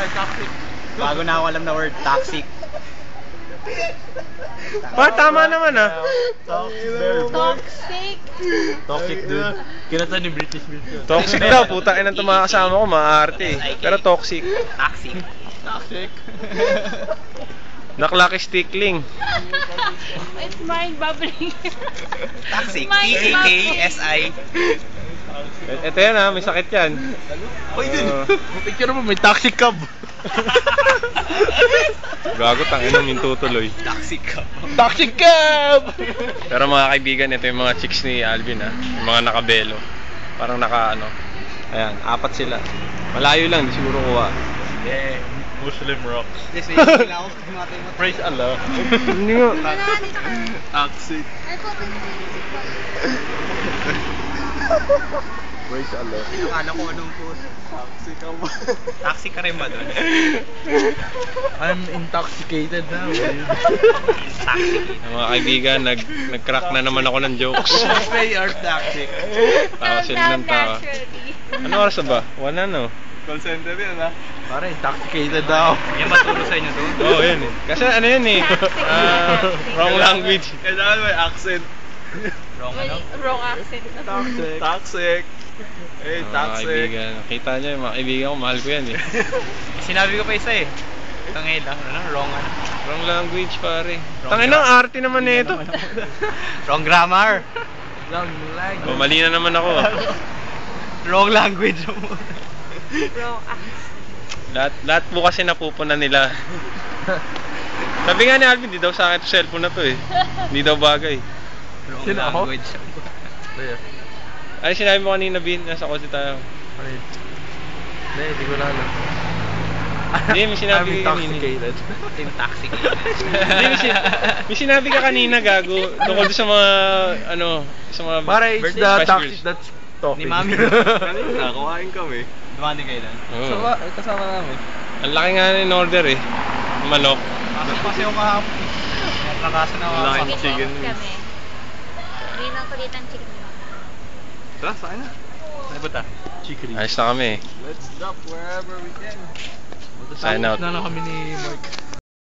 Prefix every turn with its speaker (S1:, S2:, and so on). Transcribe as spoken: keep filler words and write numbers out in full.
S1: word toxic.
S2: Bago na ako alam na word toxic.
S3: Pa, tama naman ah.
S4: Toxic.
S1: Toxic dude. Kinata ni British British.
S3: Toxic daw, putang ina itong mga kasama ko, maarte. Pero toxic.
S2: Toxic.
S1: Toxic.
S3: Naklaki stickling.
S4: It's mind bubbling.
S2: Toxic. T
S4: Mind
S2: A K S I.
S3: Ito yan ha, may sakit yan.
S1: Uy, dude.
S3: Uh,
S1: Picture mo, may toxic cub.
S3: Gago, tangin yung tutuloy.
S2: Toxic ka.
S1: Toxic cub!
S3: Pero mga kaibigan, ito yung mga chicks ni Alvin ha. Yung mga nakabelo. Parang naka ano. Ayan, apat sila. Malayo lang, di siguro kuha.
S1: Yeah, Muslim rocks.
S2: Yes, may hihila ako. Tumatay mo.
S1: Praise Allah.
S3: Hindi nga.
S4: Wala, dito ka.
S1: Toxic.
S4: Ay, po,
S1: Praise Allah.
S2: Akala ko anong post.
S1: Toxic ka ba?
S2: Toxic ka rin ba doon?
S1: I'm intoxicated now.
S2: Toxic.
S3: Mga kaibigan, nag, nag-crack na naman ako ng jokes.
S2: They are toxic.
S3: Tawa sila ng tawa. Ano oras na ba? One ano?
S1: Call center yan ha. Parang intoxicated daw.
S2: Yan maturo sa inyo doon?
S3: Oo, oh, yan eh. Kasi ano yan eh. Ah, wrong language.
S1: Kailangan may accent.
S2: Wrong ano?
S4: Wrong accent.
S1: Toxic. Toxic. Hey,
S3: Mga
S1: toxic.
S3: kaibigan, nakita nyo yung mga kaibigan ko, mahal ko yan eh.
S2: Sinabi ko pa isa eh. Tangay lang. Ano? Wrong ano?
S3: Wrong language pare.
S2: Wrong
S3: Tangin
S2: gra-
S3: ang arte naman nito.
S2: Wrong grammar.
S1: Wrong leg.
S3: Oh, mali na naman ako.
S2: Wrong language.
S4: Wrong accent.
S3: Lahat, lahat po kasi napupuna nila. Sabi nga ni Alvin, di daw sa akin to cellphone na to eh. Hindi daw bagay.
S2: Wrong
S1: Sino ako?
S2: language.
S3: Ay, sinabi mo kanina, Bin, nasa kotse tayo.
S1: Hindi, hindi ko na alam.
S3: Hindi, may sinabi
S1: I'm
S3: ka kanina.
S1: intoxicated.
S2: Intoxicated.
S3: Hindi, may, sin- may sinabi ka kanina, gago. Tungkol doon sa mga, ano, sa mga
S1: Para it's
S3: birthday
S1: the
S3: spice
S1: toxic
S3: girls.
S1: that's talking.
S2: Ni Mami.
S1: Kanina, kumain kami.
S2: Dumani kayo lang.
S3: Oo.
S1: So, ah, kasama namin.
S3: Ang laki nga in order eh. Manok.
S2: Pasok kasi ako kahapon. Nakaso na ako.
S1: Laki.
S4: Chicken
S1: Chicken
S4: wings
S1: wings.
S4: kami. Hindi na kulit ang chicken wings.
S1: Tara, saan na?
S2: Ano ba ta?
S1: Chicory.
S3: Ayos na kami eh.
S1: Let's drop wherever we can.
S3: Sign out.
S1: Na lang kami ni Mark.